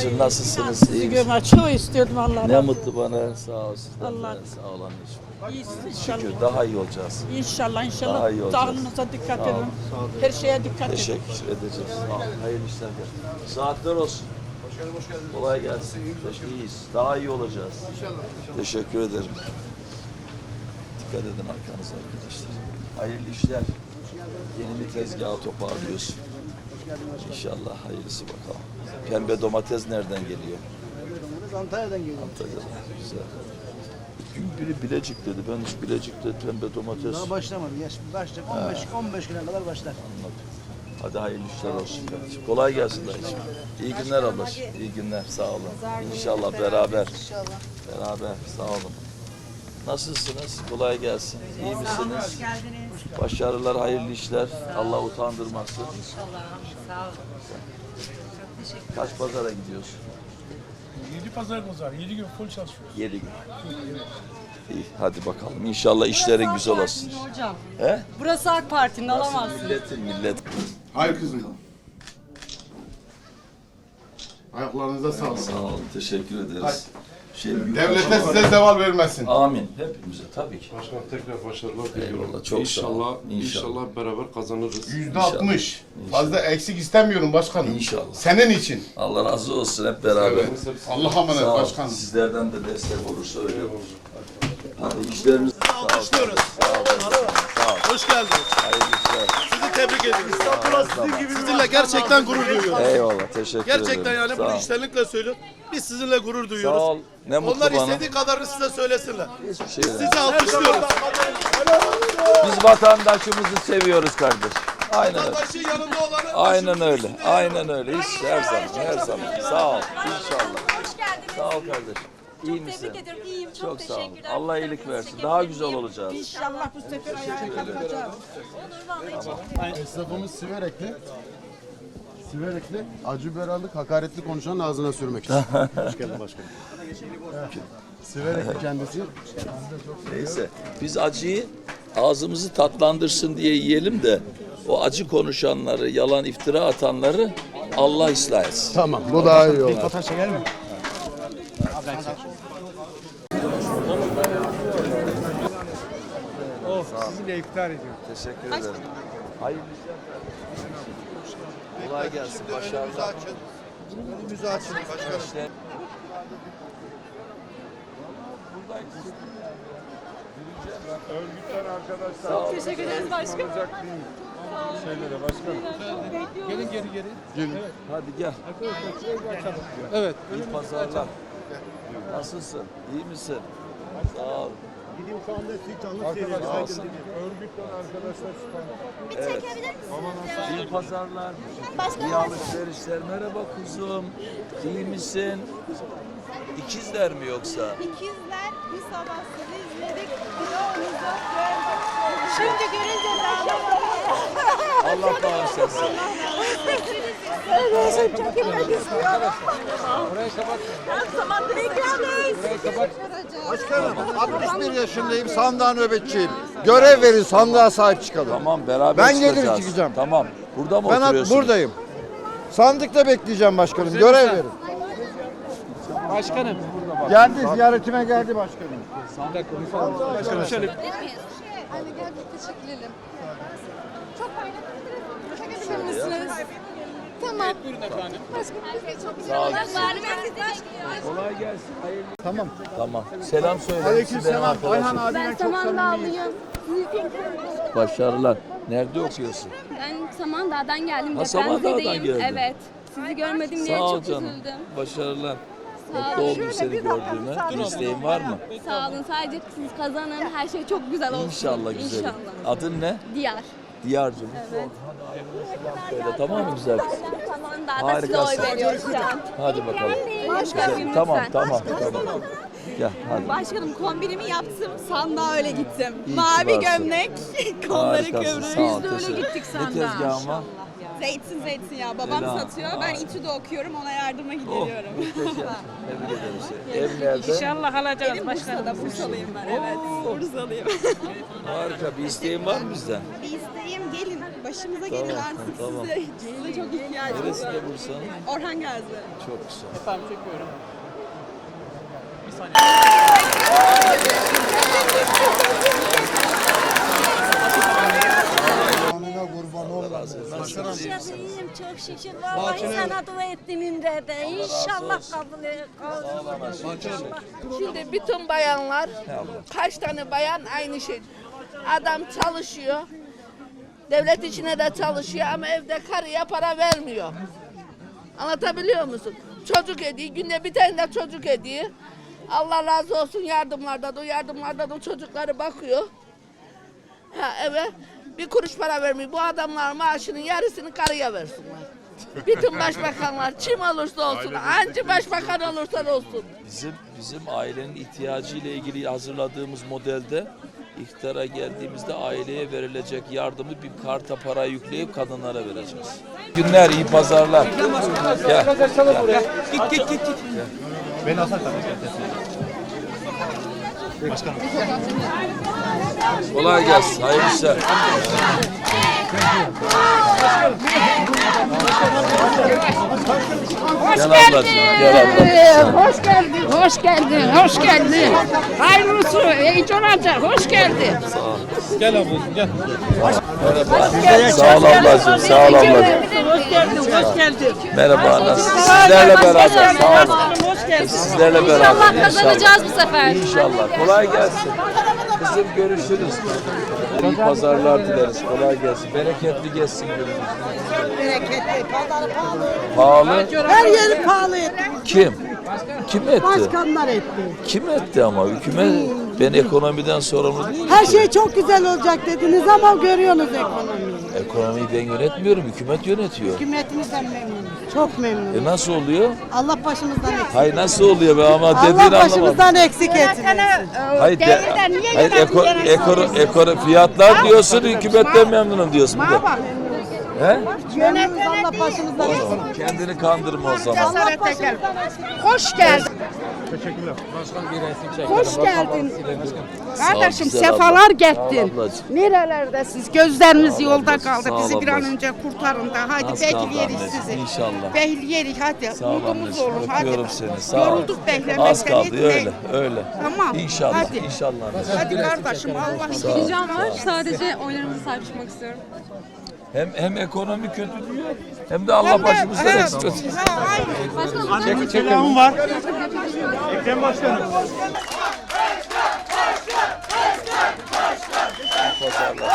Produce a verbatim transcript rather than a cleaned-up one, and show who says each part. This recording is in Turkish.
Speaker 1: ablacığım, nasılsınız?
Speaker 2: Sizi
Speaker 1: İyi
Speaker 2: görmek çok istiyordum Allah
Speaker 1: Ne
Speaker 2: razı olsun.
Speaker 1: mutlu bana. Sağ ol sizden.
Speaker 2: Allah-
Speaker 1: de. Sağ ol anneciğim.
Speaker 2: İyisiniz
Speaker 1: Şükür
Speaker 2: inşallah.
Speaker 1: daha iyi olacağız.
Speaker 2: İnşallah inşallah.
Speaker 1: Daha iyi olacağız.
Speaker 2: Sağlığınıza dikkat
Speaker 1: Sağ ol,
Speaker 2: edin. Her şeye dikkat edin.
Speaker 1: Teşekkür edeceğiz. Sağ ol. Hayırlı işler. Saatler olsun.
Speaker 3: Hoş geldin, hoş geldin.
Speaker 1: Kolay gelsin. İyiyiz. Daha iyi olacağız.
Speaker 3: İnşallah, inşallah.
Speaker 1: Teşekkür ederim. Dikkat edin arkanıza arkadaşlar. Hayırlı işler. Yeni bir tezgahı toparlıyorsun. İnşallah hayırlısı bakalım. Pembe domates nereden geliyor?
Speaker 3: Antalya'dan geliyorum.
Speaker 1: Antalya'dan. Güzel. Gün biri Bilecik dedi. Ben hiç Bilecik'te pembe domates
Speaker 3: Daha başlamadı. Yaş başlayacak. on beş on beş güne kadar başlar.
Speaker 1: anladım. Hadi hayırlı işler olsun kardeşim. Kolay gelsin dayıcığım. İyi günler ablacığım. İyi günler. Sağ olun. İnşallah beraber. Beraber. Sağ olun. Nasılsınız? Kolay gelsin. İyi misiniz?
Speaker 4: Hoş geldiniz.
Speaker 1: Başarılar, hayırlı işler. Allah utandırmasın.
Speaker 4: İnşallah. Sağ olun. Çok teşekkür
Speaker 1: Kaç pazara gidiyorsun?
Speaker 5: Yedi pazarımız var. Yedi gün full çalışıyoruz.
Speaker 1: Yedi gün. İyi, hadi bakalım. İnşallah işlerin güzel olsun.
Speaker 4: hocam.
Speaker 1: He?
Speaker 4: Burası AK Parti'nin alamazsın.
Speaker 1: Milletin millet.
Speaker 6: Hayır kızım. Ayaklarınıza sağlık.
Speaker 1: Sağ olun. Teşekkür ederiz. Şey, büyük
Speaker 6: Devlete
Speaker 1: başarı-
Speaker 6: size zeval vermesin.
Speaker 1: Amin. Hepimize tabii ki.
Speaker 7: Başkan tekrar başarılar diliyorum.
Speaker 1: Eyvallah, çok sağ ol.
Speaker 7: İnşallah,
Speaker 1: İnşallah.
Speaker 7: inşallah beraber kazanırız.
Speaker 6: Yüzde altmış. Fazla eksik istemiyorum başkanım.
Speaker 1: İnşallah.
Speaker 6: Senin için.
Speaker 1: Allah razı olsun hep beraber.
Speaker 6: Allah'a emanet
Speaker 1: Sağ ol.
Speaker 6: başkanım.
Speaker 1: Sizlerden de destek olursa öyle olur. Hadi işlerimiz sağ ol.
Speaker 8: Alkışlıyoruz.
Speaker 1: Sağ ol. Sağ ol.
Speaker 8: Hoş geldiniz.
Speaker 1: Hayırlı işler.
Speaker 8: Sizi tebrik ediyoruz. Sizinle gerçekten gurur duyuyoruz.
Speaker 1: Eyvallah. Teşekkür ederim.
Speaker 8: Gerçekten yani
Speaker 1: Sağ
Speaker 8: bunu
Speaker 1: ol.
Speaker 8: içtenlikle söylüyorum. Biz sizinle gurur
Speaker 1: Sağ
Speaker 8: duyuyoruz.
Speaker 1: ol. Ne mutlu
Speaker 8: Onlar
Speaker 1: bana.
Speaker 8: istediği kadarını size söylesinler.
Speaker 1: Hiçbir şey değil.
Speaker 8: Sizi alkışlıyoruz.
Speaker 1: Biz vatandaşımızı seviyoruz kardeş. Aynen öyle.
Speaker 8: Vatandaşın yanında olanı
Speaker 1: Aynen
Speaker 8: başımızın
Speaker 1: öyle.
Speaker 8: üstünde
Speaker 1: Aynen öyle. Hiç her zaman. Her zaman. Sağ ol. İnşallah.
Speaker 9: Hoş geldiniz.
Speaker 1: Sağ ol kardeş. İyi
Speaker 9: Çok
Speaker 1: misin?
Speaker 9: tebrik ederim. İyiyim. Çok,
Speaker 1: Çok sağ ol.
Speaker 9: teşekkürler.
Speaker 1: Allah iyilik
Speaker 9: Fotoğrafınızı
Speaker 1: versin. Daha
Speaker 9: çekebilir
Speaker 1: güzel
Speaker 9: miyim?
Speaker 1: olacağız.
Speaker 2: İnşallah bu sefer ayağa kalkacağız.
Speaker 9: Olur vallahi çekelim.
Speaker 6: Esnafımız Siverekli. Siverekli, acı biberalı, hakaretli konuşanın ağzına sürmek için. Hoş geldin başkanım. Siverekli kendisi.
Speaker 1: Neyse. Biz acıyı ağzımızı tatlandırsın diye yiyelim de o acı konuşanları, yalan iftira atanları Allah ıslah etsin.
Speaker 6: Tamam, bu daha iyi olur.
Speaker 5: Sizinle iftar ediyorum.
Speaker 1: Teşekkür ederim. Hayırlı işler. Kolay gelsin. Başarılar.
Speaker 6: Önümüzü açın başkanım.
Speaker 1: İşler.
Speaker 5: Örgütler arkadaşlar.
Speaker 9: Teşekkür ederiz başkanım.
Speaker 5: Şeylere başkanım. Gelin geri geri.
Speaker 1: Hadi gel.
Speaker 5: Evet.
Speaker 1: İyi pazarlar. Nasılsın? İyi misin? Sağ ol.
Speaker 5: Arkadaşlar. Örgütler arkadaşlar.
Speaker 1: Evet. İyi pazarlar. İyi alışverişler. Merhaba kuzum. İyi misin? İkizler mi yoksa?
Speaker 9: İkizler bir sabah sizi izledik. Vlogumuzu gördük. Şimdi görünce de anlamadım.
Speaker 1: Allah bağışlasın.
Speaker 2: Evet, çekilmek istiyorum.
Speaker 5: Orayı kapat.
Speaker 2: Her zaman ekrandayız.
Speaker 5: Orayı kapat.
Speaker 6: Başkanım, altmış bir yaşındayım, sandığa nöbetçiyim. Görev verin, sandığa sahip çıkalım.
Speaker 1: Tamam beraber
Speaker 6: Ben gelir
Speaker 1: çıkacağız.
Speaker 6: çıkacağım.
Speaker 1: Tamam. Burada mı
Speaker 6: Ben at-
Speaker 1: oturuyorsun?
Speaker 6: buradayım. Sandıkta bekleyeceğim başkanım, görev verin.
Speaker 5: Başkanım.
Speaker 6: Geldi, ziyaretime geldi başkanım.
Speaker 5: Başkanım şöyle.
Speaker 9: Hani gel bir teşekkür edelim. Çok paylaşabilir misiniz? Tamam.
Speaker 5: Buyurun efendim.
Speaker 9: Başkanım biz de çok
Speaker 1: Sağ ol.
Speaker 9: güzel var. Ben size teşekkür
Speaker 1: Kolay gelsin. Hayırlı.
Speaker 6: Tamam.
Speaker 1: Tamam. Selam söyle.
Speaker 6: Aleykümselam. Ayhan abime
Speaker 9: Ben
Speaker 6: çok
Speaker 9: Samandağlıyım.
Speaker 1: Başarılar. Nerede okuyorsun?
Speaker 9: Ben Samandağ'dan geldim.
Speaker 1: Ha, Samandağ'dan
Speaker 9: Depremzedeyim.
Speaker 1: geldin.
Speaker 9: Evet. Sizi görmedim diye
Speaker 1: Sağ ol
Speaker 9: çok
Speaker 1: canım.
Speaker 9: üzüldüm.
Speaker 1: Başarılar.
Speaker 9: Sağ
Speaker 1: Mutlu
Speaker 9: olun.
Speaker 1: oldum seni gördüğüme. Bir isteğin var mı?
Speaker 9: Sağ olun. Sadece siz kazanın. Her şey çok güzel olsun.
Speaker 1: İnşallah güzel.
Speaker 9: İnşallah.
Speaker 1: Adın ne?
Speaker 9: Diyar.
Speaker 1: Diyarcığım.
Speaker 9: Evet.
Speaker 1: Söyle tamam mı güzel kız?
Speaker 9: Samandağ'da size oy
Speaker 1: Harikasın.
Speaker 9: veriyoruz şu an.
Speaker 1: Hadi bakalım.
Speaker 9: Başkanım
Speaker 1: Güzel. Tamam
Speaker 9: lütfen.
Speaker 1: tamam tamam. Gel hadi.
Speaker 10: Başkanım kombinimi yaptım, sandığa öyle gittim.
Speaker 1: İyi ki
Speaker 10: Mavi
Speaker 1: varsın.
Speaker 10: gömlek, kolları
Speaker 1: Harikasın,
Speaker 10: kıvrı.
Speaker 1: sağ ol,
Speaker 10: Biz de öyle
Speaker 1: teşekkür.
Speaker 10: gittik
Speaker 1: Ne
Speaker 10: sandığa.
Speaker 1: tezgahın var?
Speaker 10: Zeytin zeytin ya. Babam
Speaker 1: Ela.
Speaker 10: satıyor. Ben İTÜ'de okuyorum. Ona yardıma
Speaker 1: Oh,
Speaker 10: gidiyorum.
Speaker 1: muhteşem. Tebrik ederim seni. Ev nerede?
Speaker 2: İnşallah alacağız
Speaker 10: Benim
Speaker 2: başkanım.
Speaker 10: Bursa'da. Bursalıyım ben. Evet. Bursalıyım.
Speaker 1: Harika. Bir isteğin var mı bizden?
Speaker 10: Bir isteğim gelin. Başımıza gelin
Speaker 1: Tamam,
Speaker 10: artık
Speaker 1: tamam.
Speaker 10: size. Size çok ihtiyacımız
Speaker 1: Neresi
Speaker 10: var.
Speaker 1: de Bursa'nın?
Speaker 10: Orhan Gazi.
Speaker 1: Çok güzel.
Speaker 9: İyiyim çok şükür. Vallahi sana dua ettim İmre'de. İnşallah kabul et.
Speaker 11: Şimdi bütün bayanlar, kaç tane bayan aynı şey. Adam çalışıyor, devlet içine de çalışıyor ama evde karıya para vermiyor. Anlatabiliyor musun? Çocuk ediyor, günde bir tane de çocuk ediyor. Allah razı olsun yardımlardan, o yardımlardan o çocukları bakıyor. Ha eve bir kuruş para vermiyor. Bu adamlar maaşının yarısını karıya versinler. Bütün başbakanlar kim olursa olsun, hangi başbakan olursa olsun.
Speaker 1: Bizim bizim ailenin ihtiyacı ile ilgili hazırladığımız modelde iktidara geldiğimizde aileye verilecek yardımı bir karta para yükleyip kadınlara vereceğiz. Günler, iyi pazarlar. Gel. Gel.
Speaker 3: Git git git git. Beni asar Başkanım.
Speaker 1: Kolay gelsin. Hayırlı işler. Gel ablacığım. Gel ablacığım.
Speaker 2: Hoş geldin, hoş geldin, hoş geldin. Hayırlısı, iyice olacak, hoş geldin.
Speaker 5: Gel ablacığım gel.
Speaker 1: Merhaba. Sağ ol ablacığım. Sağ ol ablacığım.
Speaker 2: Hoş geldin, hoş geldin.
Speaker 1: Merhaba. Nasılsın? Sizlerle beraber. Sağ olun.
Speaker 2: Hoş geldin.
Speaker 1: Sizlerle beraber.
Speaker 9: Kazanacağız bu sefer.
Speaker 1: İnşallah. Kolay gelsin. Kızım görüşürüz. İyi pazarlar dileriz. Kolay gelsin. Bereketli geçsin günümüz.
Speaker 2: Bereketli, pazarı pahalı.
Speaker 1: Pahalı.
Speaker 2: Her yeri pahalı etti.
Speaker 1: Kim? Kim etti?
Speaker 2: Başkanlar etti.
Speaker 1: Kim etti ama? Hükümet. Ben ekonomiden sorumlu değilim.
Speaker 2: Her
Speaker 1: ki.
Speaker 2: şey çok güzel olacak dediniz ama görüyorsunuz ekonomiyi.
Speaker 1: Ekonomiyi ben yönetmiyorum. Hükümet yönetiyor.
Speaker 2: Hükümetimizden memnunuz. Çok memnunuz.
Speaker 1: E nasıl oluyor?
Speaker 2: Allah başımızdan eksik.
Speaker 1: Hayır nasıl oluyor be ama dediğini
Speaker 2: Allah
Speaker 1: anlamadım.
Speaker 2: başımızdan eksik etmesin.
Speaker 1: Hayır, de, hayır eko, eko, eko, fiyatlar diyorsun, hükümetten memnunum diyorsun. Bir de. He?
Speaker 2: Memnunuz Allah başımızdan eksik.
Speaker 1: Tamam, kendini kandırma o zaman.
Speaker 2: Allah başımızdan
Speaker 10: Hoş geldin.
Speaker 5: Teşekkürler. Başkan bir resim çek.
Speaker 10: Hoş geldin.
Speaker 2: Kardeşim
Speaker 1: güzel abla.
Speaker 2: sefalar
Speaker 1: Sağ ol
Speaker 2: gettin.
Speaker 1: ablacığım.
Speaker 2: Nerelerdesiniz? Gözlerimiz yolda
Speaker 1: ablacığım,
Speaker 2: kaldı.
Speaker 1: sağ ol
Speaker 2: Bizi bir an
Speaker 1: ablacığım.
Speaker 2: önce kurtarın da. Hadi
Speaker 1: Az kaldı
Speaker 2: bekleyeriz
Speaker 1: anneciğim,
Speaker 2: sizi.
Speaker 1: inşallah.
Speaker 2: Bekleyeriz hadi.
Speaker 1: Sağ ol
Speaker 2: Umudumuz
Speaker 1: anneciğim,
Speaker 2: olur. Hadi.
Speaker 1: öpüyorum seni. Sağ ol.
Speaker 2: Yorulduk beklemekten.
Speaker 1: Az kaldı
Speaker 2: Hiç
Speaker 1: öyle,
Speaker 2: ne-
Speaker 1: öyle.
Speaker 2: Tamam.
Speaker 1: İnşallah,
Speaker 2: Hadi.
Speaker 1: inşallah. anneciğim.
Speaker 2: Hadi kardeşim Allah
Speaker 1: Sağ ol.
Speaker 9: Ricam var. Sadece oylarımızı sahip çıkmak istiyorum.
Speaker 1: Hem hem ekonomi kötü diyor, hem de Allah başımızdan
Speaker 2: Evet.
Speaker 1: eksik etsin.
Speaker 2: Ha, aynen.
Speaker 5: Çek, selamım var. Ekrem Başkanım.
Speaker 1: Pazarlar.